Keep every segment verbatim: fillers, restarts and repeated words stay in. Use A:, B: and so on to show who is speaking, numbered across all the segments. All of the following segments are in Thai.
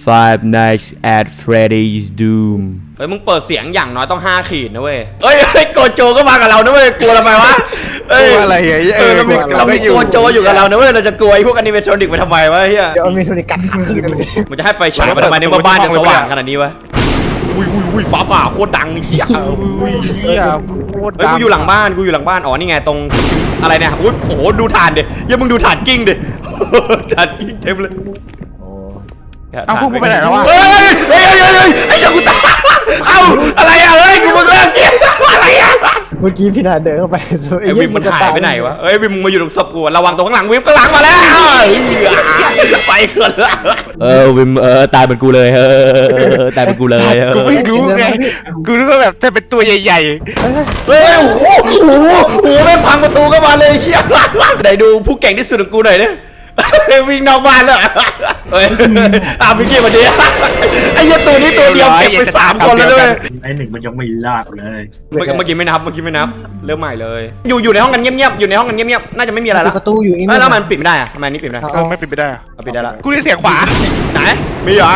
A: Five Nights at Freddy's Doom เฮ้ยมึงเปิดเสียงอย่างน้อยต้องห้าขีดนะเว้ยเฮ้ยเฮ้ยโกโจก็มากับเรานะเว้ยกลัวทำไมวะเฮ้ย
B: อะไรเงี้ย
A: เออเรามีเรามีโกโจอยู่กับเรานะเว้ยเราจะกลัวไอ้พวกอนิเมทรอนิกไปทำไมวะเฮีย
C: เดี๋ยวมีโทนิกัดขาขึ้นกันเลย
A: มันจะให้ไฟฉายมาทำไมในบ้านจะสว่างขนาดนี้วะอุ้ยอุ้ยอุ้ยฟ้าผ่าโคตรดังเฮีย
B: อุ้ยเฮียโคตรดัง
A: เฮ้ยกูอยู่หลังบ้านกูอยู่หลังบ้านอ๋อนี่ไงตรงอะไรเนี่ยอุ้ยโอ้โหดูถ่านดิเฮ้ยมึงดูถ่านกิ้งดิถ่านกิ้งเต็มเลย
B: เอาพวกมึงไปไหนแล้ววะ
A: เฮ้ยเฮ้ยเฮ้ยเฮ้ยไอ้ยังกูตายเอ้าอะไรอ่ะเฮ้ยกูมึงเลิกเกมอะไรอ่ะ
C: เมื่อกี้พี่นาเดินเข้าไป
A: ไอ้วิมมันหายไปไหนวะเอ้ยวิมมึงมาอยู่ตรงศพกูระวังตรงข้างหลังวิมข้างหลังมาแล้วไปเกินละเออวิมเออตายเป็นกูเลยเออตายเป็นกูเลย
B: กูไม่รู้ไงกูนึกว่าแบบจะเป็นตัวใหญ่
A: ๆเฮ้ยโอ้โหโอ้โหโอ้โหแม่งพังประตูเข้ามาเลยเฮียไหนดูผู้เก่งที่สุดของกูหน่อยดิวิ่งนอกบ้านเลยเฮ้ยอาพี่กี้มาดิไอ้ยันตัวนี้ตัวเดียวเก็บไปสามคนแล้วด้วย
D: ไอ้หนึ่งมันยังไม่ลากเลย
A: เมื่อกี้เมื่อกี้ไม่นับเมื่อกี้ไม่นับเริ่มใหม่เลยอยู่อยู่ในห้องกันเงียบๆอยู่ในห้องกันเงียบๆน่าจะไม่มีอะไรแล้ว
C: ประตูอยู่นี่
A: แล้วมันปิดไม่ได้อะทำไมนี่ปิดไม่ได้
B: เออไม่ปิดไม่ได้อะ
A: ปิดได้ละ
B: กูได้เสียงขวา
A: ไหนมีเหรอ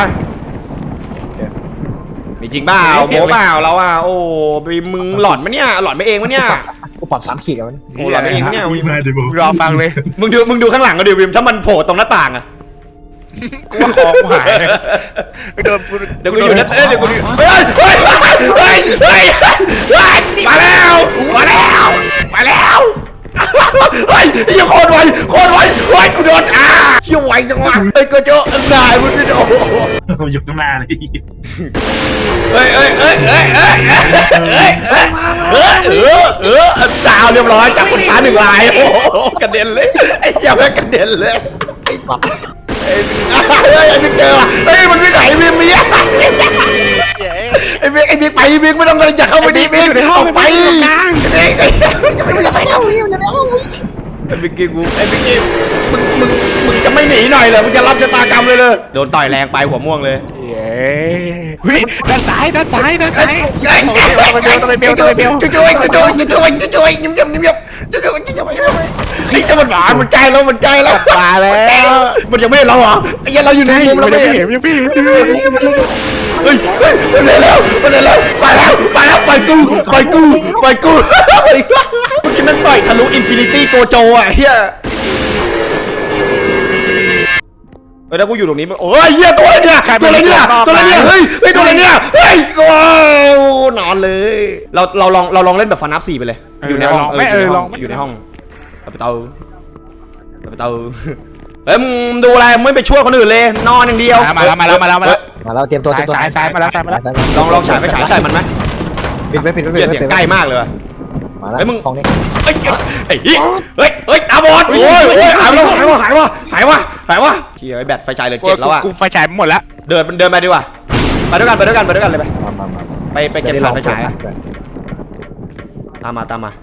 A: มีจริงเปล่าโม้เปล่าเราอ่ะโอ้บีมึงหลอนมะเนี่ยหลอนไปเองมะเนี่ย
C: กูปรับสามขีดแล้วมัน
A: โอ้หลอนไปเองมะเนี่ย
B: รอฟังเลย
A: มึงดูมึงดูข้างหลังก็ดิวิมถ้ามันโผล่ตรงหน้าต่างอะ
B: กูว่าของหายเดิน
A: เดี๋ยวกูอยู่นะเดี๋ยวกูอยู่เฮ้ยเฮ้ยเฮ้ยเฮ้ยเฮ้ยมาแล้วมาแล้วมาแล้วเฮ้ยยังโคตรไวโคตรไวไวกูโดนอ่ะเชี่ยวไวจังวะเฮ้ยก็เจอนายมึงไม่โดน
D: ผมอยู่ข้างหน้าเลย
A: เฮ้ยเฮ้ยเฮ้ยเฮ้ยเฮ้ยเฮ้ยเฮ้ยเฮ้ยเออเออดาวเรียบร้อยจากคนช้าหนึ่งลายโอ้กระเด็นเลยไอ้เหี้ยแม่กระเด็นเลย
C: ไอ้สัตว์
A: เฮ้ยไอ้บิ๊กเจอว่ะเฮ้ยมันไม่ไหนบิ๊กมีอะไอ้บิ๊กไอ้บิ๊กไปบิ๊กไม่ต้องเลยอย่าเข้าไปดิบิ๊กออกไปไอ้
C: อย่าไปเอาวิวอย่าไปเอาวิว
A: ไอ้บิ๊กกี้กูไอ้บิ๊กกี้มึงมึงมึงจะไม่หนีหน่อยเหรอมึงจะรับชะตากรรมเลยเลยโดนต่อยแรงไปหัวม่วงเลย
B: เย้เฮ้ยด้านซ้ายด้านซ้ายด้านซ้าย
A: ไปเบลไปเบลไปเบลช่วยช่วยช่วยช่วยช่วยยิ้มยิ้มยิ้มยิ้มช่วยช่วยช่วยช่วยไอ้เจ้ามันหวานมันใจแล้วมันใจแล้ว
B: มาแล้ว
A: มันยังไม่เห็นเราเหรอไอ้ยันเราอยู่ในมุมเราไม่เห็น
B: ยังพี่
A: เฮ้ยเฮ้ยมันเลยแล้วมันเลยแล้วไปแล้วไปแล้วไปกูไปกูไปกูเมื่อกี้มันต่อยทะลุอินฟินิตี้โกโจอ่ะเฮียเฮ้ยถ้ากูอยู่ตรงนี้มันโอ้ยเฮียตัวอะไรเนี่ยตัวอะไรเนี่ยตัวอะไรเนี่ยเฮ้ยเฮ้ยตัวอะไรเนี่ยเฮ้ยว้าวนอนเลยเราเราลองเราลองเล่นแบบฟันนับสี่ไปเลยอยู่ในห้อง
B: ไม่เออลอง
A: อยู่ในห้องไปเตาไปเตาเฮ้ยมึงดูอะไรไม่ไปช่วยคนอื่นเลยนอนอย่างเดียว
B: มาแล้วมาแล้วมาแล้วมาแล้ว
C: มาแล้วเตรียมตัวเตรียมตัว
B: สายสายมาแล้วสายมาแล้ว
A: ลองลองฉายไปฉายใส่มันไหม
C: ปิดไว้ปิดไว้ปิดไว้
A: เสียงใกล้มากเลย
C: มาแล้ว
A: มึง
C: ของนี้
A: เฮ้ยไอ้เฮ้ยเฮ้ยตาบอดโอ้ยโอ้ยหายแล้วหายวะหายวะหายวะหายวะเฮียไอ้แบตไฟฉายเลยเจ็ดแล้วอ่ะ
B: กูไฟฉายหมดแล้ว
A: เดินเดินไปดีกว่าไปด้วยกันไปด้วยกันไปด้วยกันเลยไปไปไปเก็บถ่านไฟฉายตามมาตามมา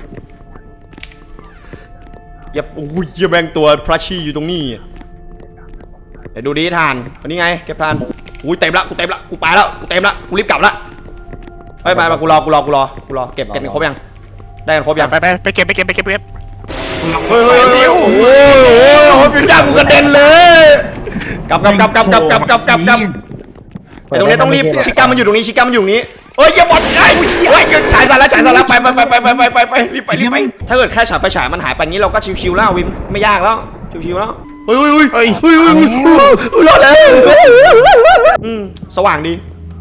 A: อย่าโอ้ยเยี่ยแมงตัวพระชีอยู่ตรงนี้เดี๋ยวดูดิทานวันนี้ไงเก็บทานอุ้ยเต็มละกูเต็มละกูไปแล้วกูเต็มละกูรีบกลับละไปไปไปกูรอกูรอกูรอกูรอเก็บเก็บครบยังได้กันครบยัง
B: ไปไปไปเก็บไปเก็บไปเก็บไปเก็บ
A: เฮ้ยเฮ้ยโอ้โหโอ้โหพี่จ้ากูกระเด็นเลยกลับกลับกลับกลับกลับกลับกลับกลับกลับไอ้ตรงนี้ต้องรีบชิก้ามันอยู่ตรงนี้ชิก้ามันอยู่ตรงนี้เฮ้ยอย่าบอดไอ้เฮ้ยฉายสารแล้วฉายสารแล้วไปไปไปไปไปไปไปรีบไปรีบไปถ้าเกิดแค่ฉายไฟฉายมันหายไปงี้เราก็ชิวๆแล้ววิมไม่ยากแล้วชิวๆแล้วเฮ้ยเฮ้ยเฮ้ยเฮ้ยเฮ้ยรอดแล้วอืมสว่างดี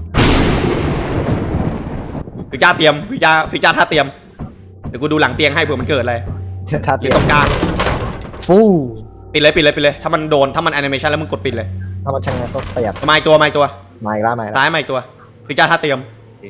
A: ฟิจ้าเตรียมฟิจ้าฟิจ้าท่าเตรียมเดี๋ยวกูดูหลังเตียงให้เผื่อมันเกิดอะไร
C: ท่าเตรียม
A: ตรงกลาง
C: ฟู
A: ปิดเลยปิดเลยปิดเลยถ้ามันโดนถ้ามันแอนิเมชันแล้วมึงกดปิดเลย
C: ถ้ามันช่างงานก็ประหยัด
A: มาอีกตัวมาอีกตัว
C: มาอีกแล้วมาอีกแล้ว
A: ซ้ายมาอีกตัวฟิจ้าท่าเตรียม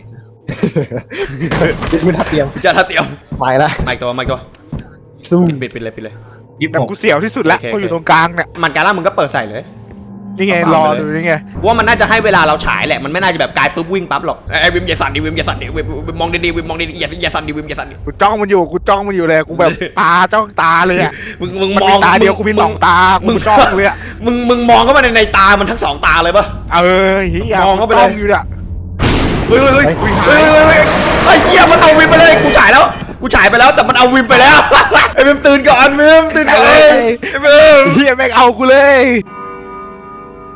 C: ปิดมือท่าเตรียม
A: ฟิจ้าท่าเตรียม
C: มาอีกแล้ว
A: มาอีกตัวมาอีกตัว
C: ซูม
A: ปิดปิดเลยปิดเลย
B: แต่กูเสียวที่สุดละกูอยู่ตรงกลางเนี่ย
A: มันการล่ามึงก็เปิดใส่เลย
B: นี่ไงรอดูนี่ไง
A: ว่ามันน่าจะให้เวลาเราฉายแหละมันไม่น่าจะแบบกายปุ๊บวิ่งปั๊บหรอกไอ้วิมอย่าสั่นดิวิมอย่าสั่นดิวิมมองดีๆวิมมองดีๆอย่าอย่าสั่นดิวิมอย่าสั่นดิ
B: กูจ้องมันอยู่กูจ้องมันอยู่เลยกูแบบตาจ้องตาเลยอ่ะ
A: มึงมึง
B: มองตาเดียวกูมีสองตามึงจ้องเลยอ่ะ
A: มึงมึงมองเข้ามาในในตามันทั้งสองตาเลยปะ
B: เออเฮีย
A: มองเข้าไปเลย
B: อยู่อ่ะ
A: เฮ้ยเฮ้ยเฮ้ยเฮ้ยไอ้เหี้ยมันเอาวิมไปเลยกูฉายแล้วกูฉายไปแล้วแต่มันเอาวิมไปแล้วไอ้วิมตื่นก่อนวิมตื่นก่อนไอ้วิม
B: เฮียแม่งเอากูเลย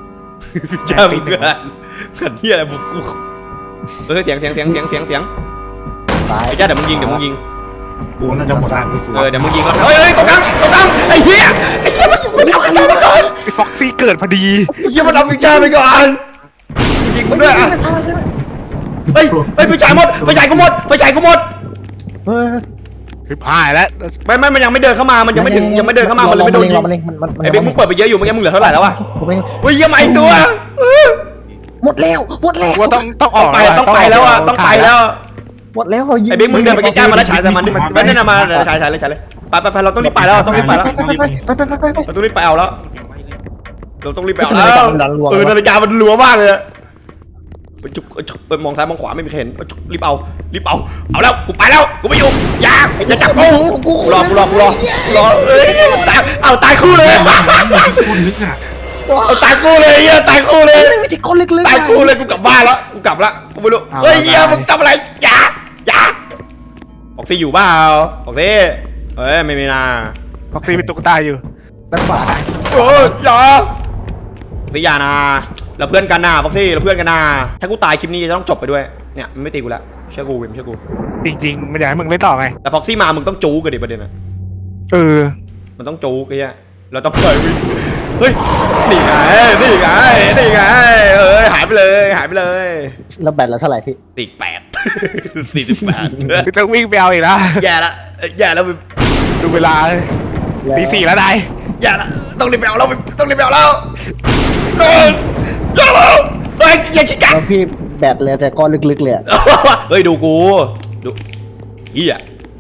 A: พี่จ้ามึงเกินกันเฮียอะไรบุกกูเออเสียงเสียงเสียงเสียงเสียงเสียง
C: ซ้าย
A: ไอ้จ้าเดี๋ยวมึงยิงเดี๋ยวมึงยิง
D: กูน่าจะหมดละ
A: เออเดี๋ยวมึงยิงก่อนเฮ้ยเฮ้ยตรงกลางตรงกลางไอ้เหี้ยไอ้เหี้ยมันมันเอาพี่จ้าไปก่อน
B: ไอ้ฟ็อกซี่เกิดพอดี
A: ไอ้เหี้ยมันเอาพี่จ้าไปก่อนยิงมึงด้วยอ่ะ
C: ใช่ใช่ไหม
A: เฮ้ยเฮ้ยไฟฉายหมดไฟฉายกูหมดไฟฉายกูหมด
C: เฮ้ย
B: พิพายแล้ว
A: ไม่ไม่มันยังไม่เดินเข้ามามันยังไม่ถึงยังไม่เดินเข้ามามันเลยไม่โดนยิง
C: รอมันเองมันมันมัน
A: ไอ้เบ๊กมึงเปิดไปเยอะอยู่เมื่อกี้มึงเหลือเท่าไหร่แล้ววะ
C: ผมเอง
A: เฮ้ยเหี้ยมาอีกตัว
C: หมดแล้วหมดแล้ว
B: ว่าต้องต้องอ
A: ต้อ
B: อง ก
A: ไปต้องไปแล้วอ่ะต้องไปแล้ว
C: หมดแล้ว
A: ไอ้เบ๊กมึงเดินไปใกล้ๆมาแล้วฉายใส่มันดิมันนั่นน่ะมาฉายฉายเลยฉายเลยไปไปไปเราต้องรีบไปแล้วต้องรีบไปแล้ว
C: ไปไปไปไปไปไปไป
A: เราต้องรีบไปเอาแล้วเราต้องรีบไปเอา
C: นาฬิ
A: แล้
C: กาว มันดันรัว
A: เออนาฬิกามันรัวมากเลยไปจุกจุกไปมองซ้ายมองขวาไม่มีใครเห็นจุกรีบเอารีบเอาเอาแล้วกูไปแล้วกูไม่อยู่อย่าอย่าจับกูกูรอกูรอกูรอกูรอเอ้ยตายเอาตายคู่เลย
D: คุณนึกอ่ะ
A: เอาตายคู่เลยเฮียตายคู่เลย
C: ไม่ใช่คนลึกๆ
A: ตายคู่เลยกูกลับบ้านแล้วกูกลับละกูไม่รู้เฮ้ยเฮียมึงทำอะไรอย่าอย่าออกซิอยู่เปล่าออกซิเอ้ยไม่มีนา
B: ฟ็อกซี่เป็นตุ๊กตาอยู่
C: ด้านขวา
A: โอ้ยอย่าออกซิอย่านะเราเพื่อนกันนะฟ็อกซี่เราเพื่อนกันนะถ้ากูตายคลิปนี้จะต้องจบไปด้วยเนี่ยมันไม่ตีกูแล้วเชื่อกูเว้ยเชื่อกู
B: จริงๆไม่อยากให้มึงเล่นต่อไง
A: แต่ฟ็อกซี่มามึงต้องจู๊กันดิประเด็นอะ
B: เออ
A: มันต้องจู๊กันเนี่ยเราต้องเปิดวิเฮ้ยนี่ไงนี่ไงนี่ไงเอ้ยหายไปเลยหายไปเลย
C: แล้วแบตเราเท่าไหร่พี่
A: สี่แปดสี่สิบแปด
B: ไม่ต้องวิ่งไปเอาอีกนะ
A: แย่ละแย่แล้ว
B: ดูเวลาเลยตีสี่แล้วนาย
A: แย่ละต้องรีบไปเอาแล้วต้องรีบไปเอาแล้วโดนโดนเฮ้ยอย่าชิกะ
C: แล้วพี่แบตเลยแต่ก้อนลึกๆเลย
A: เฮ้ยดูกูดูเฮีย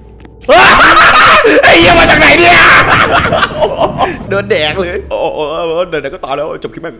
A: ไอ้เหี้ยมาจากไหนเนี่ยโดนแดกเลยโอ้โหเดินก็ต่อแล้วจบคลิปแม่ง